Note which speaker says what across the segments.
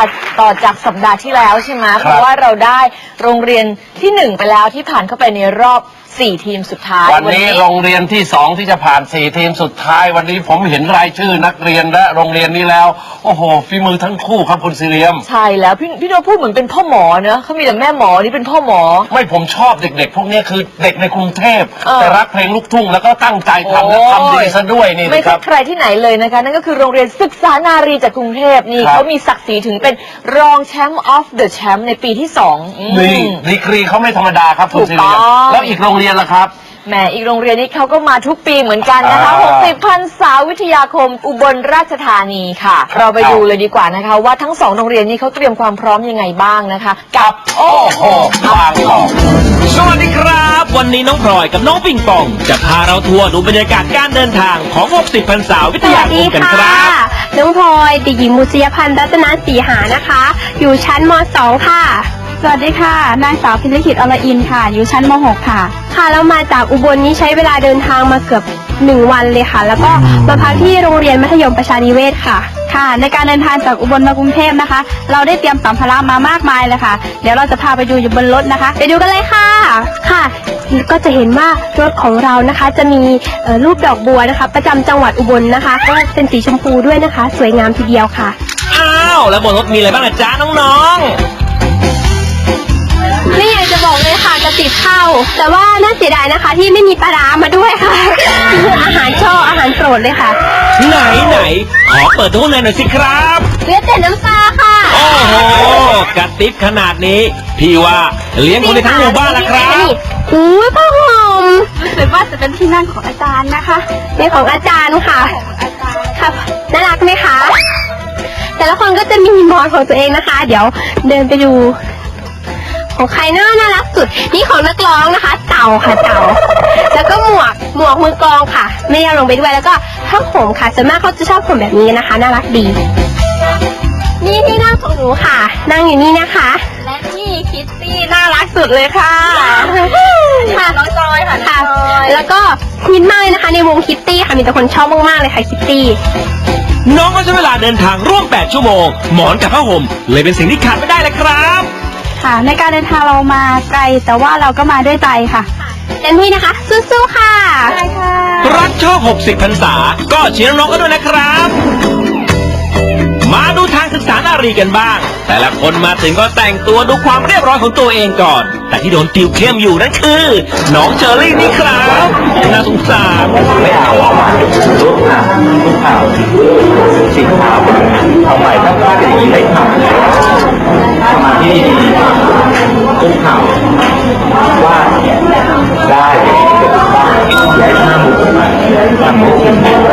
Speaker 1: ต่อจากสัปดาห์ที่แล้วใช่ไหมเพราะว่าเราได้โรงเรียนที่1ไปแล้วที่ผ่านเข้าไปในรอบ4 ทีมสุดท้าย
Speaker 2: วันนี้โรงเรียนที่2ที่จะผ่าน4 ทีมสุดท้ายวันนี้ผมเห็นรายชื่อนักเรียนและโรงเรียนนี้แล้วโอ้โหฝีมือทั้งคู่ครับคุณซีเรียม
Speaker 1: ใช่แล้วพี่โนพูดเหมือนเป็นพ่อหมอเนอะเขามีแต่แม่หมอนี่เป็นพ่อหมอ
Speaker 2: ไม่ผมชอบเด็กๆพวกนี้คือเด็กในกรุงเทพแต่รักเพลงลูกทุ่งแล้วก็ตั้งใจทำและทำดีซะด้วยนี่
Speaker 1: ไม่ใช่ใครที่ไหนเลยนะคะนั่นก็คือโรงเรียนศึกษานารีจากกรุงเทพนี่เขามีศักดิ์ศรีถึงเป็นรองแชมป์ of the champ ในปีที่2
Speaker 2: นี่ดีกรีเขาไม่ธรรมดาครับคุณซีเรียมแล้วอีกโรงเรียนล่ะครับ
Speaker 1: แหมอีกโรงเรียนนี้เขาก็มาทุกปีเหมือนกันนะคะ60 พรรษาวิทยาคมอุบลราชธานีค่ะเราไปดูเลยดีกว่านะคะว่าทั้ง2โรงเรียนนี้เขาเตรียมความพร้อมยังไงบ้างนะคะกับ
Speaker 2: โอ้โหบางกอก
Speaker 3: สวัสดีครับวันนี้น้องพลอยกับน้องปิงปองจะพาเราทัวร์ดูบรรยากาศการเดินทางของ60 พรรษาวิทยาคมกันครับ
Speaker 4: น้องพลอยเด็กหญิงมุษยพันธ์รัตนศรีหานะคะอยู่ชั้นม.2 ค่ะ
Speaker 5: สวัสดีค่ะนางสาวพิริขิตอรอินค่ะอยู่ชั้นม.6 ค่ะ
Speaker 4: ค่ะเรามาจากอุบลนี้ใช้เวลาเดินทางมาเกือบ1 วันเลยค่ะแล้วก็มาพักที่โรงเรียนมัธยมประชานิเวศค่ะ
Speaker 5: ค่ะในการเดินทางจากอุบลมากรุงเทพนะคะเราได้เตรียมสัมภาระมามากมายเลยค่ะเดี๋ยวเราจะพาไปดูอยู่บนรถนะคะ
Speaker 4: ไปดูกันเลยค่ะค่ะก็จะเห็นว่ารถของเรานะคะจะมีรูปดอกบัวนะคะประจำจังหวัดอุบลนะคะก็เป็นสีชมพูด้วยนะคะสวยงามทีเดียวค่ะ
Speaker 3: อ้าวแล้วบนรถมีอะไรบ้างจ๊ะน้องๆ
Speaker 4: ไม่อยากจะบอกเลยค่ะกระติบข้าวแต่ว่าน่าเสียดายนะคะที่ไม่มีปลาร้ามาด้วยค่ะอาหารชอบอาหารโปรดเลยค่ะ
Speaker 3: ไหนขอเปิดดูข้างในหน่อยสิครับ
Speaker 4: เหลือแต่น้ำปลาค่ะ
Speaker 3: โอ้โหกระติบขนาดนี้พี่ว่าเลี้ยงคนในทั้งหมู่บ้านละครับ
Speaker 4: อู้ผ้าห่ม
Speaker 5: รู้สึกว่าจะเป็นที่นั่งของอาจารย์นะคะ
Speaker 4: เป็นของอาจารย์ค่ะค่ะน่ารักไหมคะแต่ละคนก็จะมีหมอนของตัวเองนะคะเดี๋ยวเดินไปดูของใครน่ารักสุดนี่ของนักร้องนะคะเต่าค่ะเต่าแล้วก็หมวกมือกลองค่ะไม่ได้ลงไปด้วยแล้วก็ผ้าห่มค่ะส่วนมากเขาจะชอบห่มแบบนี้นะคะน่ารักดีนี่ที่นั่งของหนูค่ะนั่งอยู่นี่นะคะ
Speaker 5: และนี่คิตตี้น่ารักสุดเลยค่ะ
Speaker 4: ค่ะ
Speaker 5: น้องจอยค่ะ
Speaker 4: แล้วก็ฮิตมากเลยนะคะในวงคิตตี้ค่ะมีแต่คนชอบมากๆเลยค่ะคิตตี้
Speaker 3: น้องก็ใช้เวลาเดินทางร่วม8 ชั่วโมงหมอนกับผ้าห่มเลยเป็นสิ่งที่ขาดไม่ได้เลยครับ
Speaker 5: ค่ะในการเดินทางเรามาไกลแต่ว่าเราก็มาด้วยใจค่ะ
Speaker 4: เต็มที่นะคะสู้ๆค่ะ
Speaker 5: ใช่ค่ะ
Speaker 3: รักโชค60 พรรษาก็เชียร์น้องๆกันด้วยนะครับมาดูทางศึกษานารีกันบ้างแต่ละคนมาถึงก็แต่งตัวดูความเรียบร้อยของตัวเองก่อนแต่ที่โดนติวเข้มอยู่นั่นคือน้องเชอรี่นี่ครับน่าสงสาร
Speaker 2: ไม่เอาลูกข่าวสีขาวเอาใหม่ถ้าเป็นอย่างนี้เลยครับมาที่ลูกข่าวว่าได้ใหญ่มากทำไม่จริง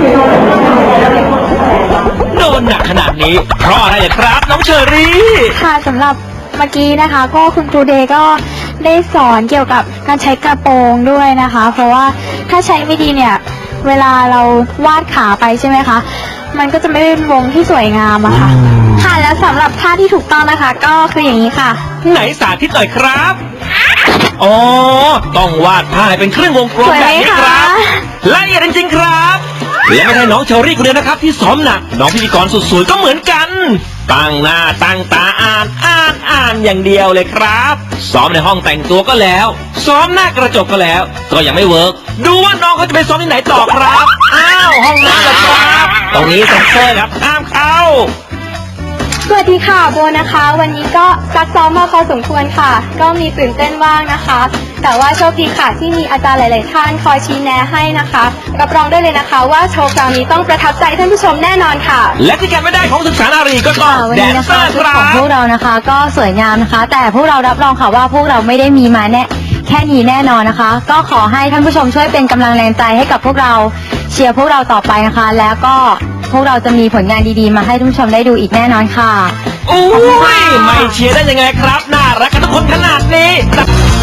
Speaker 3: โดนหนักขนาดนี้เพราะอะไรครับน้องเชอรี่
Speaker 5: ค่ะสำหรับเมื่อกี้นะคะก็คุณครูเดย์ก็ได้สอนเกี่ยวกับการใช้กระโปรงด้วยนะคะเพราะว่าถ้าใช้ไม่ดีเนี่ยเวลาเราวาดขาไปใช่ไหมคะมันก็จะไม่เป็นวงที่สวยงามอะค่ะค่ะแล้วสำหรับท่าที่ถูกต้องนะคะก็คืออย่างนี้ค่ะ
Speaker 3: ไหนสาธิตหน่อยครับอ๋อต้องวาดผ้าให้เป็นเครื่องวงกลมแบบนี้ครับละเอียดจริงๆครับและไม่ใช่น้องเชอรี่คนเดียวนะครับที่ซ้อมหนักน้องพิธีกรสุดสวยก็เหมือนกันตั้งหน้าตั้งตาอ่านอย่างเดียวเลยครับซ้อมในห้องแต่งตัวก็แล้วซ้อมหน้ากระจกก็แล้วก็ยังไม่เวิร์กดูว่าน้องเขาจะไปซ้อมที่ไหนต่อครับอ้าวห้องน้ำเหรอครับตรงนี้เซ็นเซอร์ครับห้ามเข้า
Speaker 5: สวัสดีค่ะโบนะคะวันนี้ก็ซักซ้อมมาพอสมควรค่ะก็มีตื่นเต้นบ้างนะคะแต่ว่าโชคดีค่ะที่มีอาจารย์หลายๆท่านคอยชี้แนะให้นะคะรับรองได้เลยนะคะว่าโชว์คราวนี้ต้องประทับใจท่านผู้ชมแน่นอนค่ะ
Speaker 3: และที่การไม่ได้ของศึกษานารีก็ต้อง
Speaker 1: แดนเซอร์ของพวกเรานะคะก็สวยงามนะคะแต่พวกเรารับรองค่ะว่าพวกเราไม่ได้มีมาแค่นี้แน่นอนนะคะก็ขอให้ท่านผู้ชมช่วยเป็นกำลังแรงใจให้กับพวกเราเชียร์พวกเราต่อไปนะคะแล้วก็พวกเราจะมีผลงานดีๆมาให้ท่านผู้ชมได้ดูอีกแน่นอนค่ะ
Speaker 3: โอ้ยไม่เชียร์ได้ยังไงครับน่ารักกันทุกคนขนาดนี้